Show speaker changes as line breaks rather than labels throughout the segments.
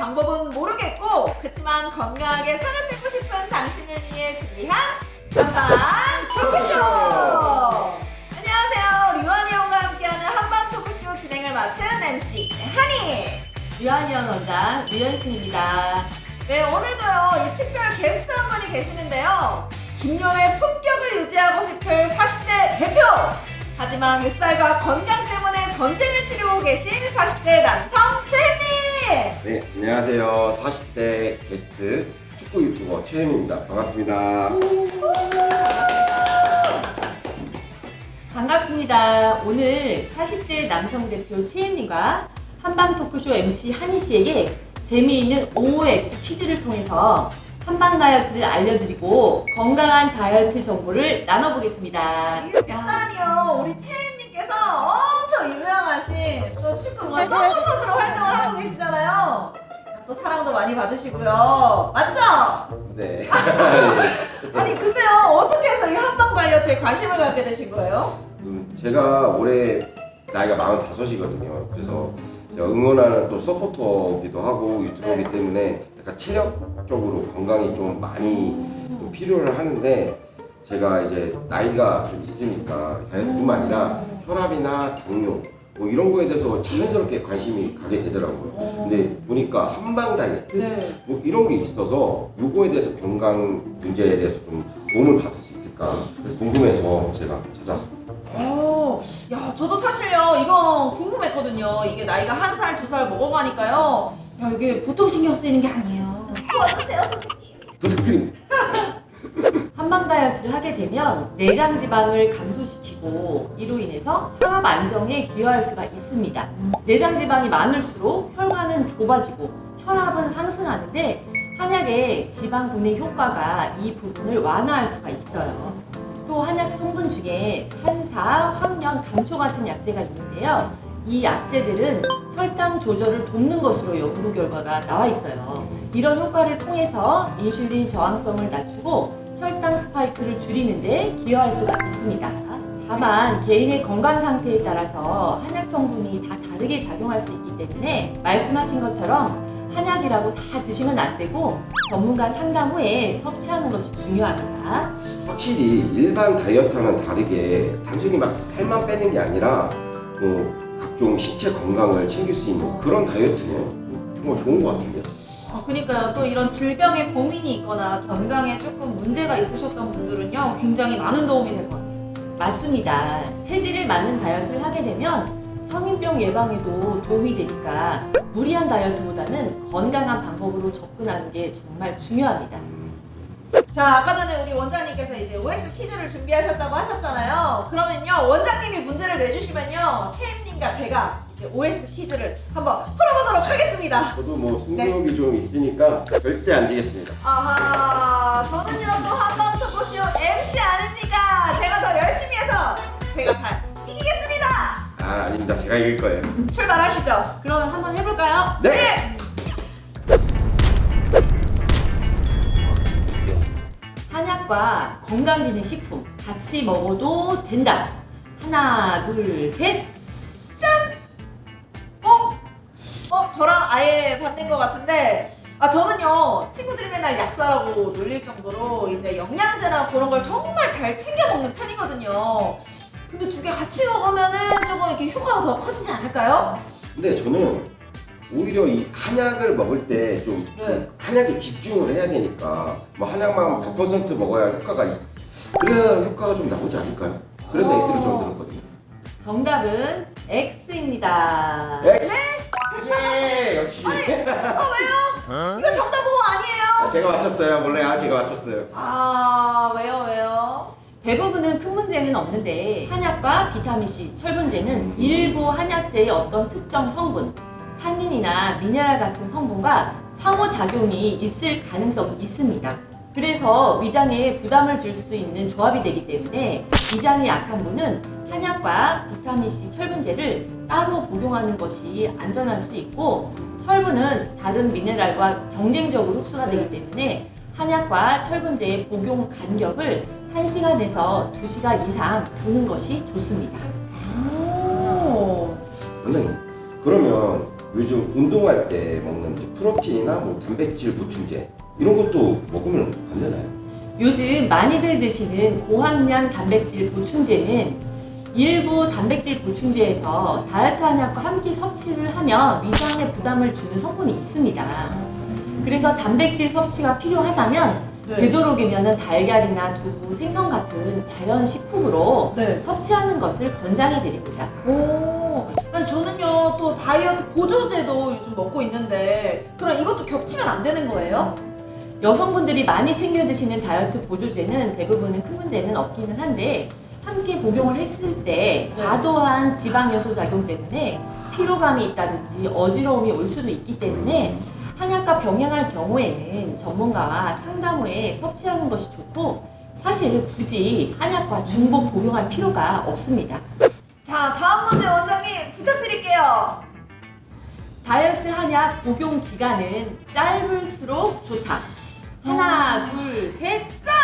방법은 모르겠고 그렇지만 건강하게 살아내고 싶은 당신을 위해 준비한 한방 토크쇼! 안녕하세요. 류한이형과 함께하는 한방 토크쇼 진행을 맡은 MC 한이!
류한이형 원장 류현신입니다.
네, 오늘도요 이 특별 게스트 한 분이 계시는데요. 중년의 품격을 유지하고 싶을 40대 대표! 하지만 뱃살과 건강 때문에 전쟁을 치르고 계신 40대 남성 최혜님!
네, 안녕하세요. 40대 게스트 축구 유튜버 최혜민입니다. 반갑습니다.
반갑습니다. 오늘 40대 남성 대표 최혜님과 한방 토크쇼 MC 한희 씨에게 재미있는 OX 퀴즈를 통해서 한방 다이어트를 알려드리고 건강한 다이어트 정보를 나눠보겠습니다.
일단요 우리 채은님께서 엄청 유명하신 또 축구 서포터즈로 활동을 하고 계시잖아요. 또 사랑도 많이 받으시고요. 맞죠?
네.
아니 근데요 어떻게 해서 이 한방 다이어트에 관심을 갖게 되신 거예요?
제가 올해 나이가 45이거든요. 그래서 제가 응원하는 또 서포터기도 하고 유튜버이기
네.
때문에 약간 체력적으로 건강이 좀 많이 좀 필요를 하는데 제가 이제 나이가 좀 있으니까 다이어트뿐만 아니라 혈압이나 당뇨 뭐 이런 거에 대해서 자연스럽게 관심이 가게 되더라고요. 근데 보니까 한방 다이어트
네.
뭐 이런 게 있어서 요거에 대해서 건강 문제에 대해서 좀 도움을 받을 수 있을까 그래서 궁금해서 제가 찾아왔습니다.
야 저도 사실요 이거 궁금했거든요. 이게 나이가 1살, 2살 먹어가니까요. 야 이게 보통 신경 쓰이는 게 아니에요. 도와주세요 선생님.
부탁드립니다.
한방 다이어트를 하게 되면 내장 지방을 감소시키고 이로 인해서 혈압 안정에 기여할 수가 있습니다. 내장 지방이 많을수록 혈관은 좁아지고 혈압은 상승하는데 한약의 지방 분해 효과가 이 부분을 완화할 수가 있어요. 또 한약 성분 중에 산사, 황련, 감초 같은 약재가 있는데요. 이 약재들은 혈당 조절을 돕는 것으로 연구 결과가 나와 있어요. 이런 효과를 통해서 인슐린 저항성을 낮추고 혈당 스파이크를 줄이는데 기여할 수가 있습니다. 다만 개인의 건강 상태에 따라서 한약 성분이 다 다르게 작용할 수 있기 때문에 말씀하신 것처럼 한약이라고 다 드시면 안 되고 전문가 상담 후에 섭취하는 것이 중요합니다.
확실히 일반 다이어트와는 다르게 단순히 막 살만 빼는 게 아니라 뭐 각종 신체 건강을 챙길 수 있는 그런 다이어트는 정말 좋은 것 같은데요.
그러니까요. 또 이런 질병에 고민이 있거나 건강에 조금 문제가 있으셨던 분들은요 굉장히 많은 도움이 될 것 같아요.
맞습니다. 체질에 맞는 다이어트를 하게 되면 성인병 예방에도 도움이 되니까 무리한 다이어트보다는 건강한 방법으로 접근하는 게 정말 중요합니다.
자 아까 전에 우리 원장님께서 이제 OX 퀴즈를 준비하셨다고 하셨잖아요. 그러면요 원장님이 문제를 내주시면요 채임님과 제가 이제 OX 퀴즈를 한번 풀어보도록 하겠습니다.
저도 뭐 승부욕이 좀 있으니까 절대 안 지겠습니다.
아하 저는요 또 한방 토크쇼 MC 아닙니까? 제가 더 열심히 해서 제가 다 이기겠습니다.
아, 아닙니다. 제가 이길 거예요.
출발하시죠.
그러면 한번 해볼까요?
네!
한약과 건강기능식품 같이 먹어도 된다. 하나, 둘, 셋.
저랑 아예 반대인 것 같은데 저는요 친구들이 맨날 약사라고 놀릴 정도로 이제 영양제나 그런 걸 정말 잘 챙겨 먹는 편이거든요. 근데 두 개 같이 먹으면은 조금 이렇게 효과가 더 커지지 않을까요?
근데 저는 오히려 이 한약을 먹을 때 좀
네.
한약에 집중을 해야 되니까 뭐 한약만 100% 먹어야 효과가 그래야 효과가 좀 나오지 않을까요? 그래서 X를 좀 들었거든요.
정답은 X입니다.
X! 예! 역시!
왜요? 이거 정답 보호 아니에요?
제가 맞췄어요. 몰래 제가 맞췄어요.
왜요?
대부분은 큰 문제는 없는데 한약과 비타민C, 철분제는 일부 한약제의 어떤 특정 성분, 탄닌이나 미네랄 같은 성분과 상호작용이 있을 가능성이 있습니다. 그래서 위장에 부담을 줄 수 있는 조합이 되기 때문에 위장이 약한 분은 한약과 비타민C, 철분제를 따로 복용하는 것이 안전할 수 있고 철분은 다른 미네랄과 경쟁적으로 흡수가 되기 때문에 한약과 철분제의 복용 간격을 1시간에서 2시간 이상 두는 것이 좋습니다.
원장님, 그러면 요즘 운동할 때 먹는 이제 프로틴이나 뭐 단백질 보충제 이런 것도 먹으면 안 되나요?
요즘 많이들 드시는 고함량 단백질 보충제는 일부 단백질 보충제에서 다이어트 한약과 함께 섭취를 하면 위장에 부담을 주는 성분이 있습니다. 그래서 단백질 섭취가 필요하다면
네.
되도록이면 달걀이나 두부, 생선 같은 자연 식품으로
네.
섭취하는 것을 권장해 드립니다.
오, 아니 저는요 또 다이어트 보조제도 요즘 먹고 있는데 그럼 이것도 겹치면 안 되는 거예요?
여성분들이 많이 챙겨 드시는 다이어트 보조제는 대부분은 큰 문제는 없기는 한데 함께 복용을 했을 때
네.
과도한 지방 요소 작용 때문에 피로감이 있다든지 어지러움이 올 수도 있기 때문에 한약과 병행할 경우에는 전문가와 상담 후에 섭취하는 것이 좋고 사실 굳이 한약과 중복 복용할 필요가 없습니다.
자 다음 문제 원장님 부탁드릴게요.
다이어트 한약 복용 기간은 짧을수록 좋다. 하나, 둘, 셋.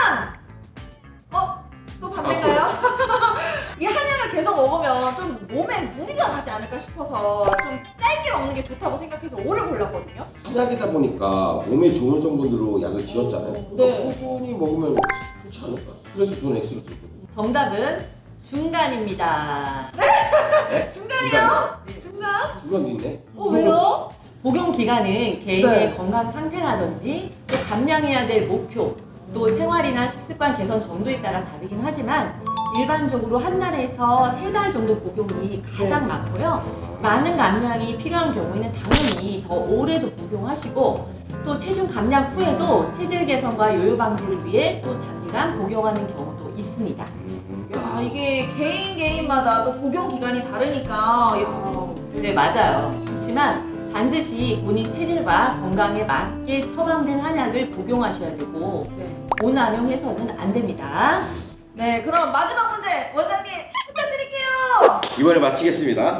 또 반대인가요? 이 한약을 계속 먹으면 좀 몸에 무리가 가지 않을까 싶어서 좀 짧게 먹는 게 좋다고 생각해서 5를 골랐거든요.
한약이다 보니까 몸에 좋은 성분으로 약을 지었잖아요.
네.
꾸준히 먹으면 좋지 않을까? 그래서 저는 X로 들었거든요.
정답은 중간입니다.
중간이요?
네.
중간?
중간도 있네.
왜요?
복용 기간은 개인의
네.
건강 상태라든지 또 감량해야 될 목표, 또 생활이나 식습관 개선 정도에 따라 다르긴 하지만 일반적으로 한 달에서 3달 정도 복용이 가장 많고요. 많은 감량이 필요한 경우에는 당연히 더 오래도 복용하시고 또 체중 감량 후에도 체질 개선과 요요 방지를 위해 또 장기간 복용하는 경우도 있습니다.
야 이게 개인마다 또 복용 기간이 다르니까 야
네, 맞아요. 그렇지만 반드시 본인 체질과 건강에 맞게 처방된 한약을 복용하셔야 되고
네.
오남용해서는 안 됩니다.
네 그럼 마지막 문제 원장님 부탁드릴게요.
이번에 마치겠습니다.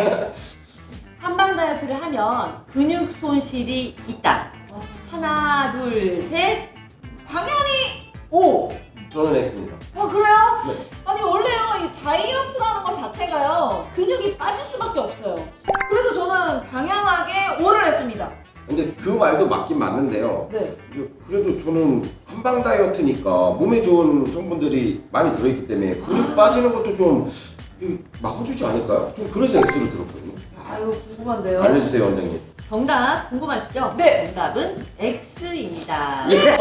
한방 다이어트를 하면 근육 손실이 있다. 하나, 둘, 셋.
당연히 오.
저는 X입니다.
그래요?
네.
아니 원래요 이 다이어트라는 것 자체가요 근육이 빠질 수밖에 없어요. 그래서 저는 당연하게 5를 했습니다.
근데 그 말도 맞긴 맞는데요.
네.
그래도 저는 한방 다이어트니까 몸에 좋은 성분들이 많이 들어있기 때문에 근육 빠지는 것도 좀 막아주지 않을까요? 좀 그래서 X로 들었거든요.
야 이거 궁금한데요.
알려주세요, 원장님.
정답 궁금하시죠?
네.
정답은 X입니다.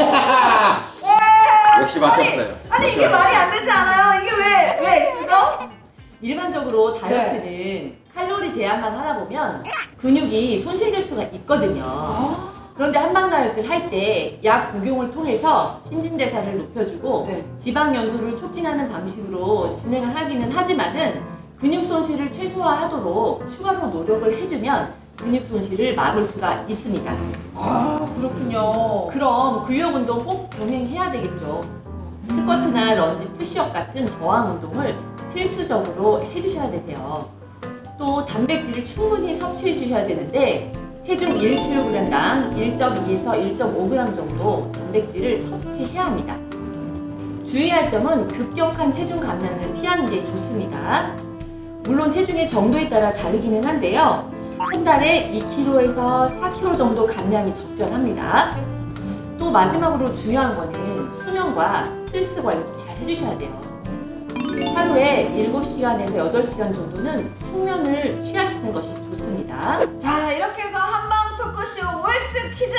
역시 맞췄어요.
아니 이게 말이 안 되지 않아요? 이게 왜 X죠?
일반적으로 다이어트는 칼로리 제한만 하다 보면 근육이 손실될 수가 있거든요. 그런데 한방 다이어트를 할 때 약 복용을 통해서 신진대사를 높여주고
네.
지방 연소를 촉진하는 방식으로 진행을 하기는 하지만은 근육 손실을 최소화하도록 추가로 노력을 해주면 근육 손실을 막을 수가 있습니다.
그렇군요.
그럼 근력 운동 꼭 병행해야 되겠죠. 스쿼트나 런지, 푸시업 같은 저항 운동을 필수적으로 해주셔야 되세요. 또 단백질을 충분히 섭취해 주셔야 되는데 체중 1kg당 1.2에서 1.5g 정도 단백질을 섭취해야 합니다. 주의할 점은 급격한 체중 감량은 피하는 게 좋습니다. 물론 체중의 정도에 따라 다르기는 한데요. 한 달에 2kg에서 4kg 정도 감량이 적절합니다. 또 마지막으로 중요한 거는 수면과 스트레스 관리도 잘 해주셔야 돼요. 하루에 7시간에서 8시간 정도는 숙면을 취하시는 것이 좋습니다.
자 이렇게 해서 한방 토크쇼 OX 퀴즈.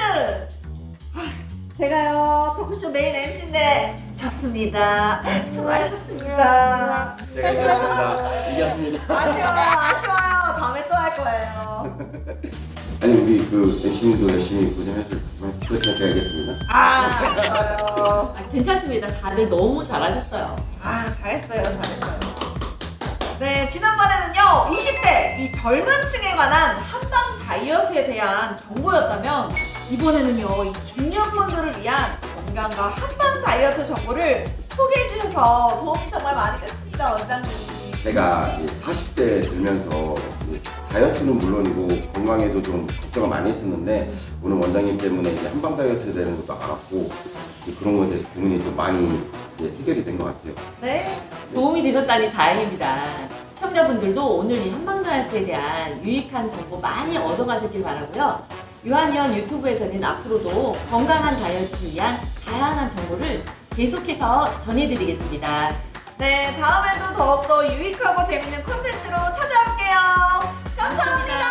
제가요 토크쇼 메인 MC인데 졌습니다. 수고하셨습니다.
제가 이겼습니다. 이겼습니다.
아쉬워요. 다음에 또 할 거예요.
아니 우리 그 MC님도 열심히 고생하셨지만 그렇지만 제가 이겼습니다.
잘했어요.
괜찮습니다. 다들 너무 잘하셨어요.
잘했어요. 네, 지난번에는요, 20대 이 젊은 층에 관한 한방 다이어트에 대한 정보였다면, 이번에는요, 이 중년분들을 위한 건강과 한방 다이어트 정보를 소개해 주셔서 도움이 정말 많이 됐습니다, 원장님.
제가 이제 40대 들면서 이제 다이어트는 물론이고 건강에도 좀 걱정을 많이 했었는데 오늘 원장님 때문에 이제 한방 다이어트 되는 것도 알았고 그런 거에 대해서 고민이 좀 많이 이제 해결이 된 것 같아요.
네.
도움이 되셨다니 다행입니다. 시청자분들도 오늘 이 한방 다이어트에 대한 유익한 정보 많이 얻어가셨길 바라고요. 유한이언 유튜브에서는 앞으로도 건강한 다이어트를 위한 다양한 정보를 계속해서 전해드리겠습니다.
네, 다음에도 더욱더 유익하고 재밌는 콘텐츠로 찾아올게요. 감사합니다.